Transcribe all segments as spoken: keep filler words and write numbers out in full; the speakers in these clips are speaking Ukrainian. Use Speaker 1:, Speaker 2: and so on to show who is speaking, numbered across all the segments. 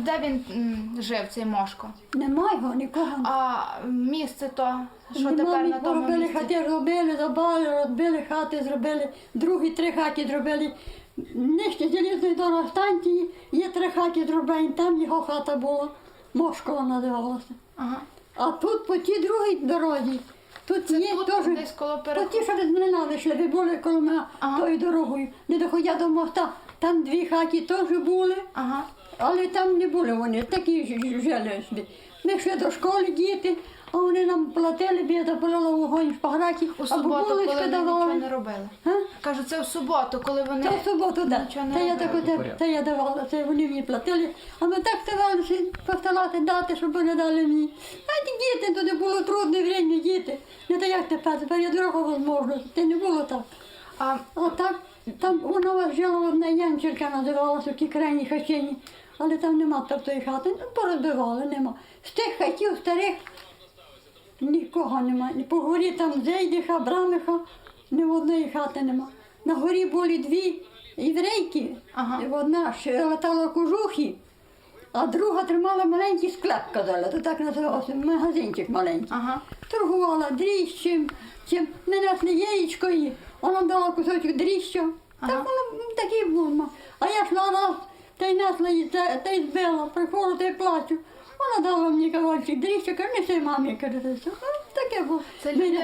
Speaker 1: де він м, жив, цей Мошко?
Speaker 2: Нема його нікого.
Speaker 1: А місце то, що
Speaker 2: Нема,
Speaker 1: тепер
Speaker 2: ми
Speaker 1: на тому
Speaker 2: поробили
Speaker 1: місці?
Speaker 2: хати, робили, забали, розбили хати, зробили, другі три хати зробили. Нижче залізної дороги станції, є три хати зроблені, там його хата була, Мошкова називалася.
Speaker 1: Ага.
Speaker 2: А тут по тій другій дорозі, тут
Speaker 1: Це
Speaker 2: є
Speaker 1: тут,
Speaker 2: теж,
Speaker 1: десь коло
Speaker 2: по
Speaker 1: переходу?
Speaker 2: ті, що від мене вийшли, ви були коло мене
Speaker 1: Ага.
Speaker 2: тою дорогою, не доходя до моста, там дві хаті теж були.
Speaker 1: Ага.
Speaker 2: Але там не були вони, такі ж- ж- жили собі. Ми йшли до школи, діти, а вони нам платили, біда полила вогонь в пограті,
Speaker 1: У
Speaker 2: або
Speaker 1: суботу, коли
Speaker 2: булочки
Speaker 1: вони нічого
Speaker 2: давали.
Speaker 1: не робили?
Speaker 2: А?
Speaker 1: Кажу, це в суботу, коли вони...
Speaker 2: Це в суботу, так.
Speaker 1: Нічого не
Speaker 2: Це я
Speaker 1: робили.
Speaker 2: так оте, це я давала, це вони мені платили. А ми так старалися постарати дати, щоб вони дали мені. А ті діти, туди було трудне время, діти. Не так як тепер, тепер є друга можливість, це не було так.
Speaker 1: А,
Speaker 2: А так, там вона у вас жила одна Янчерка, називалася в тій крайній хатині, але там нема тої хати, ну порозбивали, нема. З тих хатів старих нікого нема. Ні по горі там Зейдиха, Брамиха, ні в одної хати нема. На горі були дві єврейки,
Speaker 1: Ага.
Speaker 2: і одна ще латала кожухи, а друга тримала маленький склеп, казали, то так називався, магазинчик маленький.
Speaker 1: ага.
Speaker 2: Торгувала дріжджем, чим не несли яєчко їй, вона дала кусочок дріжджу.
Speaker 1: Ага.
Speaker 2: Так воно такий був. А я йшла раз, та й несла її, та, та й збила, приходжу, та й плачу. Вона дала мені кавальчик дріжджу, каже, неси мамі, каже, це все. Ну, таке було.
Speaker 1: Це люди,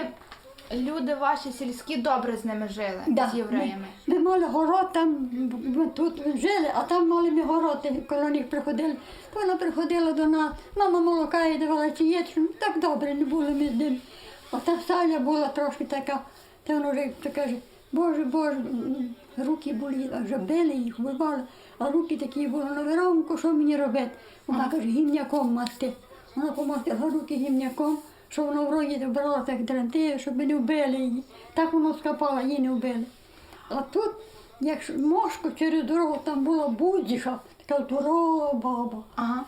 Speaker 1: люди ваші сільські добре з ними жили,
Speaker 2: Да,
Speaker 1: з євреями.
Speaker 2: Ми, ми мали город, там ми тут жили, а там мали ми город, і коли них приходили. То вона приходила до нас, мама молока їй давала чи є, ну, так добре, не були ми з ним. А та Саля була трошки така, та вона вже то каже, Боже, Боже, м, руки були, а вже били їх, вбивали, а руки такі були на веронку, що мені робити? Вона каже, гімняком масти. Вона помастила руки гімняком, що вона в рогі брала так дрантею, щоб не вбили її. Так воно скапала, її не вбили. А тут, як Мошко через дорогу, там була будіша, така здорова баба.
Speaker 1: Ага.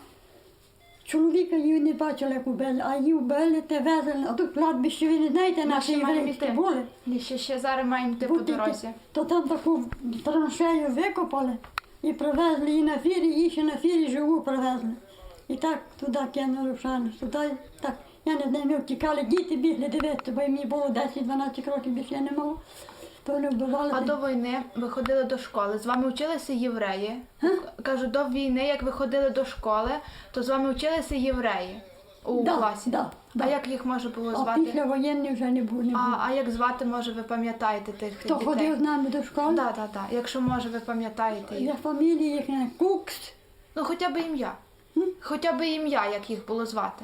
Speaker 2: Чоловіка її не бачила, як вбили, а її вбили, те везли. А тут кладбище, ви не знаєте,
Speaker 1: Ми
Speaker 2: наші
Speaker 1: ще маємо
Speaker 2: єврейські
Speaker 1: йти.
Speaker 2: були.
Speaker 1: І ще, ще зараз маємо йти по
Speaker 2: Будете,
Speaker 1: дорозі.
Speaker 2: то там таку траншею викопали і привезли її на фірі, її ще на фірі живу привезли. І так туди кинули в шану, туди, так, я не знаю, ми втікали, діти бігли дивитися, бо мені було десять-дванадцять років, більше я не мала. То вони вбивали.
Speaker 1: А до війни ви ходили до школи, з вами вчилися євреї. Кажу, до війни, як ви ходили до школи, то з вами вчилися євреї у
Speaker 2: Да,
Speaker 1: класі.
Speaker 2: да,
Speaker 1: А
Speaker 2: да.
Speaker 1: як їх може було
Speaker 2: А
Speaker 1: звати?
Speaker 2: після воєнних вже не було. Не було.
Speaker 1: А, а як звати, може, ви пам'ятаєте тих
Speaker 2: Хто
Speaker 1: дітей?
Speaker 2: ходив з нами до школи?
Speaker 1: Так, так, так. Якщо може, ви пам'ятаєте їх.
Speaker 2: Я фамілії їхня Кукс,
Speaker 1: Ну, хоча б ім'я. Хоча б ім'я, як їх було звати.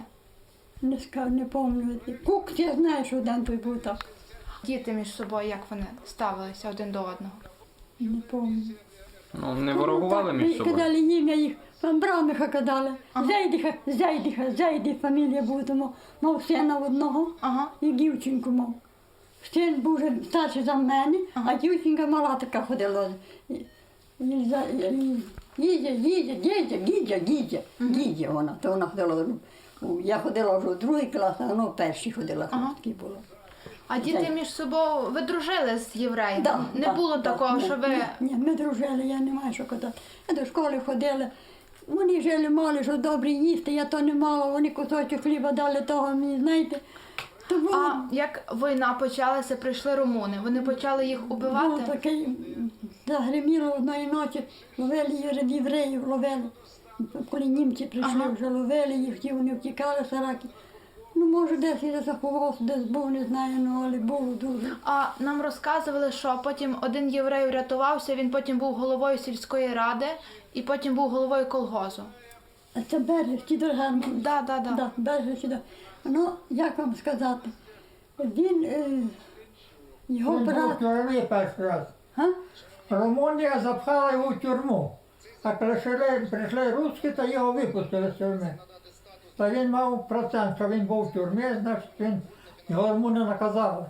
Speaker 2: не скажу, не пам'ятаю. Кукс, я знаю, що один той був так.
Speaker 1: Діти між собою, як вони ставилися один до одного.
Speaker 2: Не пам'ятаю.
Speaker 3: Ну, не ворогували між собою.
Speaker 2: Казали ім'я їх, там Брамиха казали.
Speaker 1: Ага.
Speaker 2: Зайдиха, Зайдиха, Зайди фамілія була, тому мав сина одного
Speaker 1: Ага.
Speaker 2: і дівчинку мав. Син був вже старший за мене,
Speaker 1: Ага.
Speaker 2: а дівчинка мала така ходила. І- і за- і- Гідя, Гідя, Гідя, Гідя, Гідя, Гідя вона, то вона ходила. ну, Я ходила вже в другий клас, а вона в перший ходила,
Speaker 1: Ага.
Speaker 2: такі було.
Speaker 1: А діти
Speaker 2: Так.
Speaker 1: між собою, ви дружили з євреями?
Speaker 2: Да,
Speaker 1: Не
Speaker 2: да,
Speaker 1: було
Speaker 2: да,
Speaker 1: такого,
Speaker 2: ні,
Speaker 1: що ви...
Speaker 2: Ні, ні, ми дружили, я не маю що казати. Ми до школи ходили. Вони жили мали, що добре їсти, я то не мала, вони кусочок хліба дали того мені, знаєте. То було,
Speaker 1: А як війна почалася, прийшли румуни, вони почали їх
Speaker 2: було
Speaker 1: убивати?
Speaker 2: таке, м, загриміло одної ночі, ловили євре- євреїв, ловили. Коли німці прийшли,
Speaker 1: Ага.
Speaker 2: вже ловили їх, ті вони втікали, сараки. Ну, може, десь і заховався, десь був, не знаю, ну, але було дуже.
Speaker 1: А нам розказували, що потім один єврей врятувався, він потім був головою сільської ради і потім був головою колгозу.
Speaker 2: А це Берлів, ті дорогами.
Speaker 1: Да, да, да.
Speaker 2: Да, Берлів сюди. Ну, як вам сказати, він, е, його
Speaker 4: Він був в
Speaker 2: брат,
Speaker 4: тюрмі перший раз.
Speaker 2: а?
Speaker 4: Румунія запхала його в тюрму. А прийшли, прийшли русські та його випустили з тюрми. Та він мав процент, що він був в тюрмі, значить він, його румуни наказали.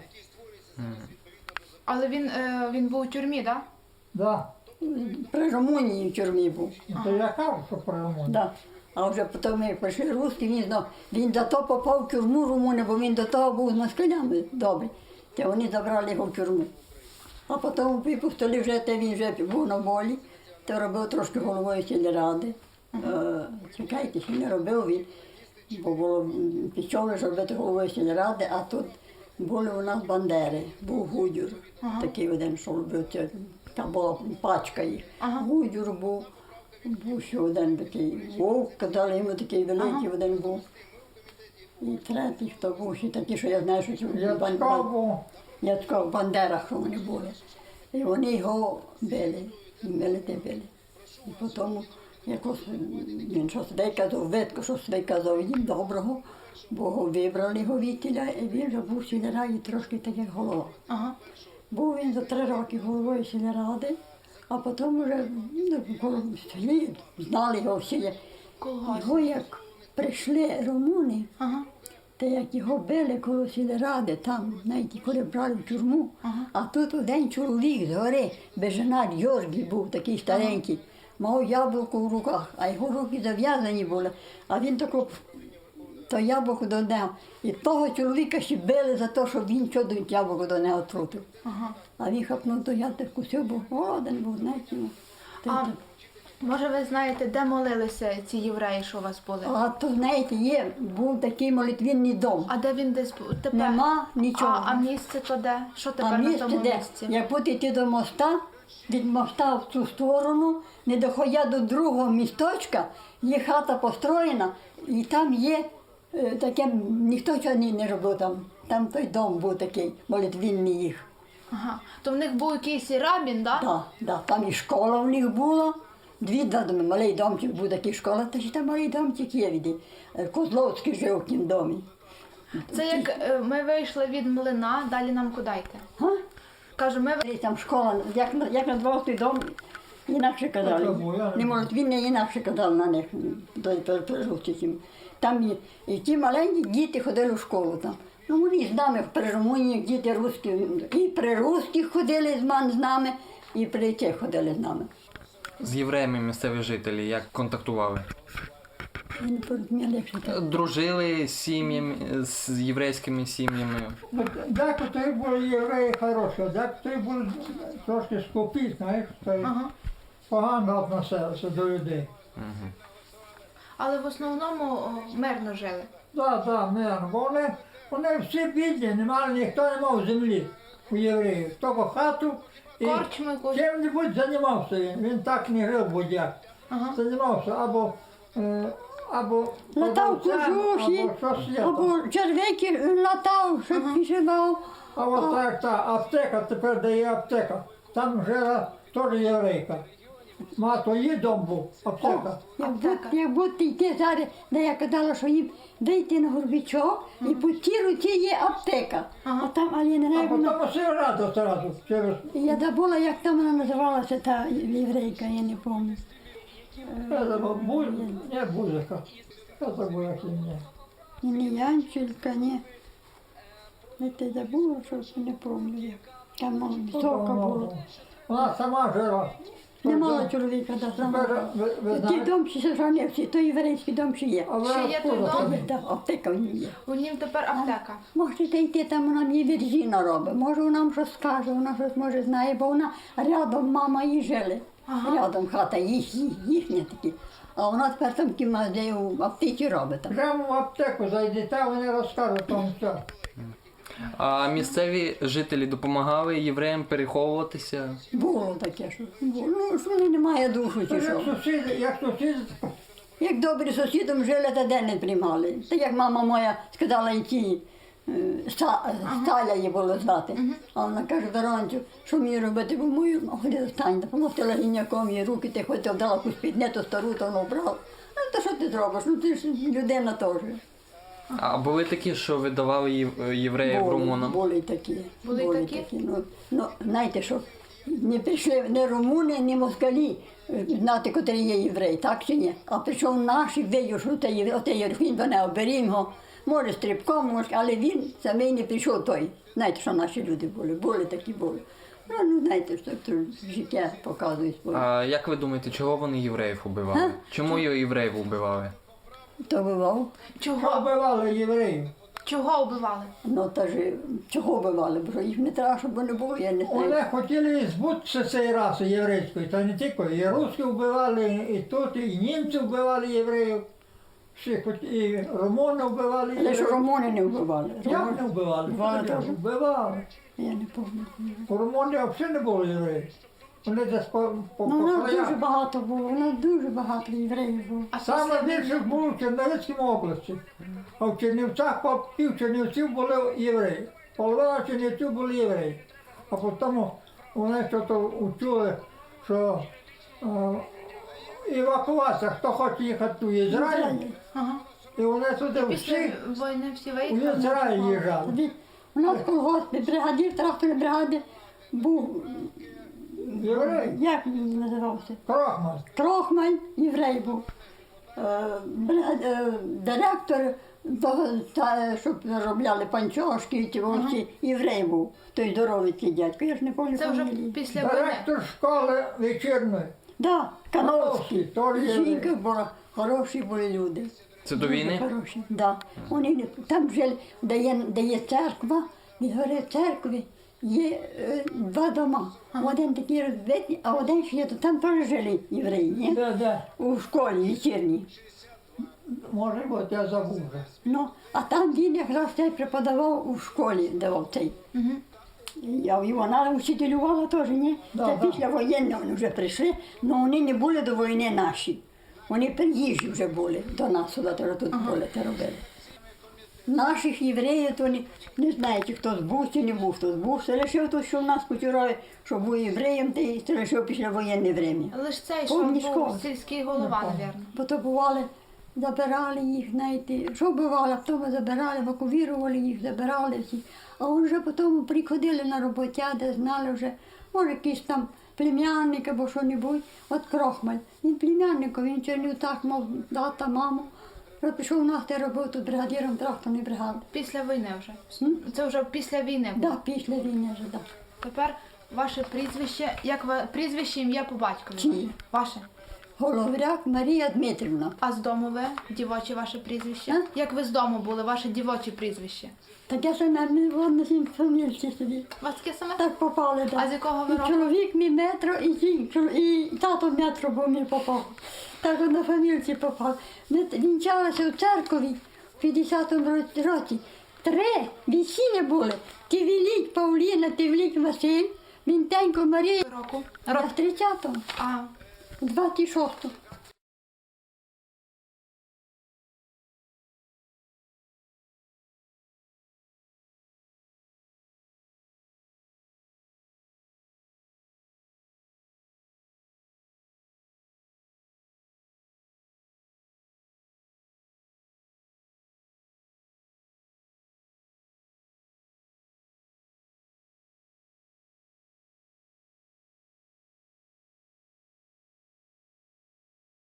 Speaker 1: Але він, е, він був у тюрмі, так?
Speaker 4: Да.
Speaker 2: При Румунії в тюрмі був.
Speaker 4: І то я кажу, що про румуни.
Speaker 2: Да. А вже потім, як прийшли русські, він, знов- він за то попав в тюрму румуни, бо він до того був з москалями добрий. Та вони забрали його в тюрму. А потім випустили вже, та він вже був на волі, то робив трошки головою сільради. Е, Чекайте, що не робив він, бо було м, пішов ж робити головою сільради, а тут були у нас бандери, був гудюр, такий один, що робив, це, там була пачка їх. Гудюр був, був ще один такий вовк, казали йому такий великий один був. І третій, хто був ще такий, що я знаю, що це
Speaker 4: Я
Speaker 2: бан-
Speaker 4: чекав,
Speaker 2: бан-
Speaker 4: бо
Speaker 2: я така в бандерах, що вони були. І вони його били, і били те били. І потім якось він щось виказав, видко, щось виказав їм доброго, бо його вибрали його вітіля, і він вже був сільраді трошки так, як голова.
Speaker 1: Ага.
Speaker 2: Був він за три роки головою сільради, а потім вже ну, коло селі, знали його всі.
Speaker 1: Колгосп.
Speaker 2: Його як прийшли румуни,
Speaker 1: Ага.
Speaker 2: та як його били коло сільради, там, знаєте, коли брали в тюрму, а тут один чоловік з гори, беженар Йоргій був такий старенький, мав яблуко в руках, а його руки зав'язані були, а він тако то яблуко до нього. І того чоловіка ще били за те, що він чудо яблуко до нього трутив.
Speaker 1: Ага.
Speaker 2: А він хапнув, то я так вкусив, бо голоден був, знаєте. ну. Та й
Speaker 1: А
Speaker 2: так.
Speaker 1: може ви знаєте, де молилися ці євреї, що у вас були?
Speaker 2: А то, знаєте, є, був такий молитвінний дом.
Speaker 1: А де він десь був? Тепер?
Speaker 2: Нема нічого.
Speaker 1: А, а місце то де? Що
Speaker 2: А
Speaker 1: тепер на
Speaker 2: місце
Speaker 1: тому
Speaker 2: де?
Speaker 1: місці?
Speaker 2: Як будете йти до моста, від моста в цю сторону, не доходя до другого місточка, є хата построєна, і там є е, таке, ніхто цього не, не робив там. Там той дом був такий, молитвінний їх.
Speaker 1: Ага. То в них був якийсь рабін, да?
Speaker 2: Да, да, там і школа в них була. Дві два доми, малий домчик був такий школа, та ще там малий домчик є від е, Козловський жив в тім домі.
Speaker 1: Це як е, ми вийшли від млина, далі нам куди йти?
Speaker 2: Га?
Speaker 1: Кажу, ми ви-
Speaker 2: Десь там школа, як, на- як назвав той дом, інакше
Speaker 4: Це
Speaker 2: казали.
Speaker 4: було, я не
Speaker 2: Не можуть, він не інакше казав на них, до переручить. Там і, і ті маленькі діти ходили в школу там. Ну, вони з нами при Румунії, діти русські, і при русських ходили з ман з нами, і при тих ходили з нами.
Speaker 3: З євреями місцеві жителі як контактували?
Speaker 2: Я не порозуміла, як це.
Speaker 3: Дружили з сім'ями, з єврейськими сім'ями.
Speaker 4: От декотрі були євреї хороші, декотрі були трошки скупі, знаєш, та й
Speaker 1: Ага.
Speaker 4: погано відносилися до людей.
Speaker 1: але в основному о, мирно жили.
Speaker 4: Так, так, мирно, бо вони, вони всі бідні, не мали, ніхто не мав землі у євреїв. Тільки хату і
Speaker 1: Корчми якусь.
Speaker 4: чим-небудь займався він. Він так не жив будь-як.
Speaker 1: Ага.
Speaker 4: Займався або, е, або
Speaker 2: Латав
Speaker 4: продавцем,
Speaker 2: кожухи,
Speaker 4: або щось є. там.
Speaker 2: або червики латав, щоб пішивав.
Speaker 4: А от так, та аптека, тепер де є аптека. Там жила теж єврейка. Мато її дом був, аптека.
Speaker 2: Як
Speaker 1: Аптека.
Speaker 2: будь, як будь йти зараз, де я казала, що їм вийти на горбічок, і по тій руці є аптека.
Speaker 1: Ага.
Speaker 2: А там, але я не
Speaker 4: А
Speaker 2: знаю, вона-
Speaker 4: потім сигарету одразу через
Speaker 2: я забула, як там вона називалася, та єврейка, я не пам'ятаю.
Speaker 4: це забув, Бу- не Бузика. Це забув, як ім'я.
Speaker 2: І не Янчелька, ні. Я те забула, що не пам'ятаю. як. Там вона висока була.
Speaker 4: Вона сама жила.
Speaker 2: Не мала чоловіка, да,
Speaker 4: Тепер,
Speaker 2: сама.
Speaker 4: ви, ви
Speaker 2: Ті
Speaker 4: знаєте,
Speaker 2: дом ще сохранився, той єврейський дом ще є.
Speaker 4: а ви
Speaker 1: Ще є той
Speaker 4: откуда
Speaker 1: дом?
Speaker 4: самі?
Speaker 2: Так, аптека в ній є.
Speaker 1: У нім тепер аптека.
Speaker 2: Можете йти, там вона мені віржіна робить. Може вона нам щось скаже, вона щось може знає, бо вона рядом мама її жили.
Speaker 1: Ага.
Speaker 2: Рядом хата їх, їх, їхня такі. А вона тепер там кімнаті в аптеці робить. Там.
Speaker 4: Прямо в аптеку зайдете, вони розкажуть вам все.
Speaker 3: А місцеві жителі допомагали євреям переховуватися?
Speaker 2: Було таке, що було. Ну, що вони немає душу
Speaker 4: Це
Speaker 2: чи
Speaker 4: як
Speaker 2: що.
Speaker 4: сусіди, як сусіди,
Speaker 2: Як добрі сусідом жили, та де не приймали. Та як мама моя сказала йти, е, Ста- Сталя її було звати. А вона каже, Веронцю, що мені робити, бо мою ну, ходи стань, допомогти гіняком її руки, ти хоч вдала якусь піднету стару, то вона вбрала. Ну, то що ти зробиш? Ну ти ж людина теж.
Speaker 3: А були такі, що видавали єв- євреїв румунам?
Speaker 2: Були й такі.
Speaker 1: Були й такі?
Speaker 2: Ну, ну, знаєте, що не прийшли не румуни, ні москалі е, знати, котрий є єврей, так чи ні? А прийшов наш і видів, що це є, оте є, він до нього берім його, може стрибком, може, але він самий не прийшов той. Знаєте, що наші люди були, були такі були. Ну, ну знаєте, що то життя показує своє.
Speaker 3: А як ви думаєте, чого вони євреїв убивали? Чому євреїв убивали?
Speaker 2: То бував.
Speaker 4: що
Speaker 1: Чого?
Speaker 4: вбивали євреїв.
Speaker 1: Чого вбивали?
Speaker 2: Ну, та ж, чого вбивали? Бо їх не треба, щоб вони було, я не знаю.
Speaker 4: Вони хотіли збутися цієї раси єврейської, та не тільки. І русські вбивали, і тут, і німці вбивали євреїв. Всі хоч і румуни вбивали
Speaker 2: Але ж
Speaker 4: євреїв.
Speaker 2: румуни не вбивали.
Speaker 4: Як не вбивали?
Speaker 2: Вбивали теж?
Speaker 4: Вбивали.
Speaker 2: Я не пам'ятаю.
Speaker 4: У Румунії взагалі не було євреїв. Вони десь по, по,
Speaker 2: Ну, у
Speaker 4: по
Speaker 2: нас
Speaker 4: краях.
Speaker 2: дуже багато було, у нас дуже багато євреїв було.
Speaker 1: А
Speaker 4: Саме
Speaker 1: після
Speaker 4: більше
Speaker 1: війни?
Speaker 4: було в Чернівецькій області. А в Чернівцях по пів Чернівців були євреї. Половина Чернівців були євреї. А потім вони щось учули, що е, евакуація, хто хоче їхати в Ізраїль,
Speaker 1: Ага.
Speaker 4: і вони туди
Speaker 1: Після
Speaker 4: всі
Speaker 1: війни всі
Speaker 4: у
Speaker 1: виїхали?
Speaker 4: Ізраїль їжджали.
Speaker 2: Тоді у нас в колгоспі бригадір тракторної бригади був,
Speaker 4: Єврей,
Speaker 2: як він називався?
Speaker 4: Крохман.
Speaker 2: Крохмаль, єврей був. Е, брига- е, Директор, того, та, щоб заробляли панчошки, і ті вовці, єврей був. Той здоровий цей дядько, я ж не пам'ятаю
Speaker 1: Це вже
Speaker 2: фамілії.
Speaker 1: після війни.
Speaker 4: Директор школи вечірної.
Speaker 2: Да, Кановський.
Speaker 4: Кановський, теж єврей.
Speaker 2: Жінка була, хороші були люди.
Speaker 3: Це до війни?
Speaker 2: Хороші, да. Вони не- там жили, де є, де є церква, від гори церкви є е, два дома. Один такий розбитий, а один ще є, то там теж жили євреї, ні?
Speaker 4: Де, де?
Speaker 2: У школі вечірній.
Speaker 4: Може бути, я забув вже.
Speaker 2: Ну, а там він якраз цей преподавав у школі, давав цей.
Speaker 1: Мгм.
Speaker 2: Я і вона учителювала теж, ні?
Speaker 4: Да,
Speaker 2: Це
Speaker 4: да.
Speaker 2: після воєнного вони вже прийшли, але вони не були до війни наші. Вони приїжджі вже були до нас сюди, то тут були, те робили. Наших євреїв, то не, не знаєте, хто збув чи не був, хто збув. Це лише то, що в нас кучурові, що був євреєм, та й це лише після воєнне время.
Speaker 1: Лише цей, що
Speaker 2: Повні
Speaker 1: був
Speaker 2: школи.
Speaker 1: сільський голова, мабуть.
Speaker 2: Бо то бували, забирали їх, знаєте, що бувало, а потім забирали, евакуювали їх, забирали всі. А вони вже потім приходили на роботя, де знали вже, може, якийсь там племянник або що-небудь. От Крохмаль. Він племянник, він чернів так, мов тата, маму. Вже пішов на те роботу бригадіром тракторної бригади.
Speaker 1: Після війни вже.
Speaker 2: М?
Speaker 1: Це вже після війни було.
Speaker 2: Да, після війни вже, да.
Speaker 1: Тепер ваше прізвище, як ва... прізвище, ім'я по батькові.
Speaker 2: Чиє?
Speaker 1: Ваше.
Speaker 2: Головряк Марія Дмитрівна.
Speaker 1: А з дому ви? Дівоче ваше прізвище?
Speaker 2: А?
Speaker 1: Як ви з дому були, ваше дівоче прізвище?
Speaker 2: Так я саме не на сім фамільці собі.
Speaker 1: У вас таке саме?
Speaker 2: Так попали, так.
Speaker 1: А з якого ви
Speaker 2: І
Speaker 1: року?
Speaker 2: чоловік мій метро, і, жінка, і тато метро, бо мені попав. Так от на фамільці попав. Ми вінчалися у церкові в п'ятдесятому році- році. Три весілля були. Тивіліть Павліна, Тивіліть Василь, Вінтенько Марія.
Speaker 1: Року?
Speaker 2: А в тридцятому,
Speaker 1: А,
Speaker 2: двадцять шостому.